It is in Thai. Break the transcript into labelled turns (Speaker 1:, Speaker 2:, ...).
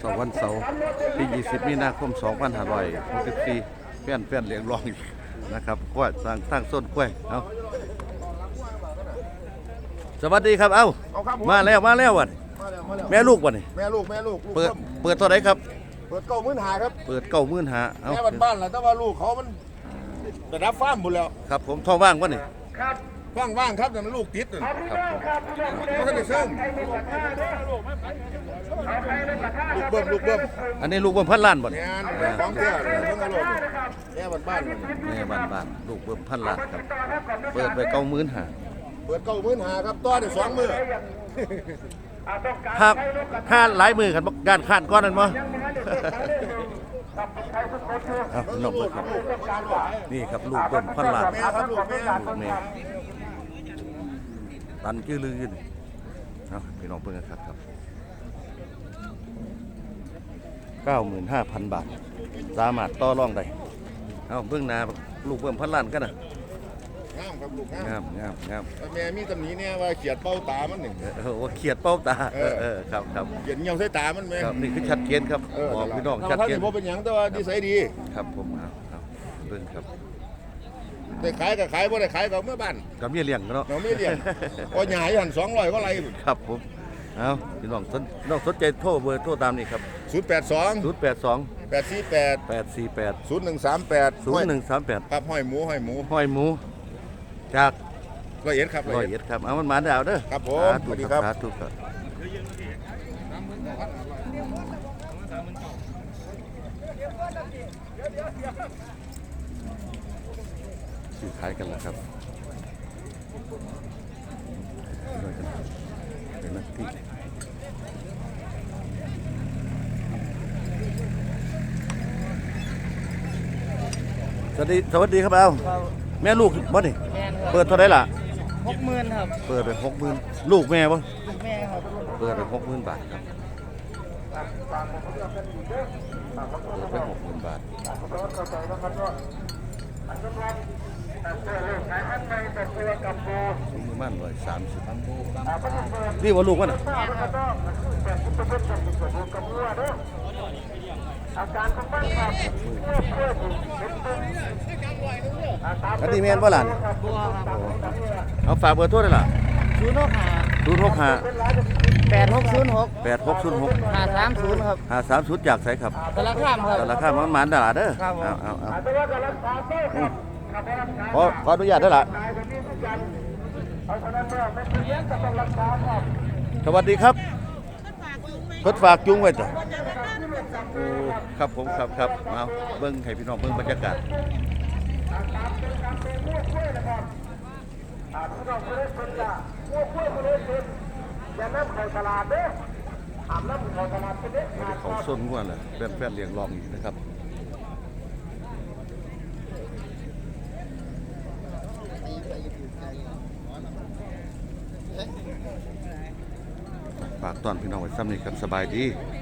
Speaker 1: วันเสาร์ที่20มีนาคม2564แฟนเลี้ยงรองอีกนะครับกล้วยตั้งต้นกล้วยเอาสวัสดีครับเอ้ามาแล้ววันแม่ลูกวันนี้
Speaker 2: แม่ลูก
Speaker 1: เปิดตัวไหนครับ
Speaker 2: เปิด95,000ครับ
Speaker 1: เปิด95,000เอา
Speaker 2: แม่บ้านๆแหละแต่ว่าลูกเขามันระดับฟาร์มหมดแล้ว
Speaker 1: ครับผมท้องว่างวันนี้
Speaker 2: ว่างครับแต่มันลูกติด
Speaker 1: ครับ
Speaker 2: ไม่ทันได้เสริมลูกเบิ้ม
Speaker 1: อันนี้ลูกเบิ้มพันล้านบ่
Speaker 2: เนี่ยของเพื่อนต้องเอาลูกแม่บ้าน
Speaker 1: ลูกเบิ้มพันล้านครับเปิดไป95,000
Speaker 2: เปิด95,000ครับต่อได้2 มื้อ
Speaker 1: ครับห้าหลายมือกันการขาดก้อนนั่นมั้งน้องเบิ้มครับนี่ครับลูกเบิ้มพันล้านลูกแม่ตันชื่อลือยืนพี่น้องเพิ่งกันครับ 95,000 บาทสามารถต่อรองได้เอาเบื้องหน้าลูกเบิ้มพันล้านกันนะ
Speaker 2: งามครับลูก
Speaker 1: งาม
Speaker 2: แม่มีตำหนิเนี่ยว่าเขียดเป้าตามันหนึ่ง
Speaker 1: ว่าเขียดเป้าตาครับ
Speaker 2: เขียดเงี้ยวใส่ตามันไหม
Speaker 1: ครับนี่คือชัดเจนครับบอกพี่น้องชัดเจน
Speaker 2: เพราะเป็นอย่างแต่ว่าดีไซน์ดี
Speaker 1: ครับผมเบิ้งครับ
Speaker 2: ได้ขายก็ขายบ่ได้ขายก็เมื่อบ้าน
Speaker 1: กับเมียเลี้ยงเนาะ
Speaker 2: เราไม่เลี้ยงพอหยาอยู่หัน200ก็ไร
Speaker 1: ครับผมเอาพี่น้องสนใจโทรเบอร์โทรตามนี่ครับ
Speaker 2: 082 848 0138
Speaker 1: ครับ
Speaker 2: ห้อยหมู
Speaker 1: จาก
Speaker 2: 101ครับ
Speaker 1: 101ครับเอามันมาดาวเด้อ
Speaker 2: ครับผมสวัสดีครับ
Speaker 1: ถูกครับซื้อขายกันแล้วครับเป็นนักที่สวัสดีครับเอาแม่ลูกบ่นี่เปิดเท่าไหร่ล่ะ
Speaker 3: 60,000ครับ
Speaker 1: เปิดไป60,000ลูกแม่บ่
Speaker 3: ลูกแม่ครับ
Speaker 1: เปิดไป60,000 บาทครับเปิดไป60,000 บาทสูงประมาณ130นี่ว่าลูกวะน่ะอันนี้แม่นบ่ล่ะเอาฝากเบอร์โทรได้ล่ะ
Speaker 3: 065 8606 530ครับ
Speaker 1: 530จากไสครับ
Speaker 3: สารคามครับ
Speaker 1: สารคามมันหมานตลาดเด้อขออนุญาตได้ล่ะสวัสดีครับรถฝากจุงไว้จ้ะครับผมครับเอาเบิ่งให้พี่น้องเบิ่งบรรยากาศเขาส้นง่วนเลยแฟนเลี้ยงรองอีกนะครับฝากตอนพี่น้องไว้ซ้ำนี่ครับสบายดี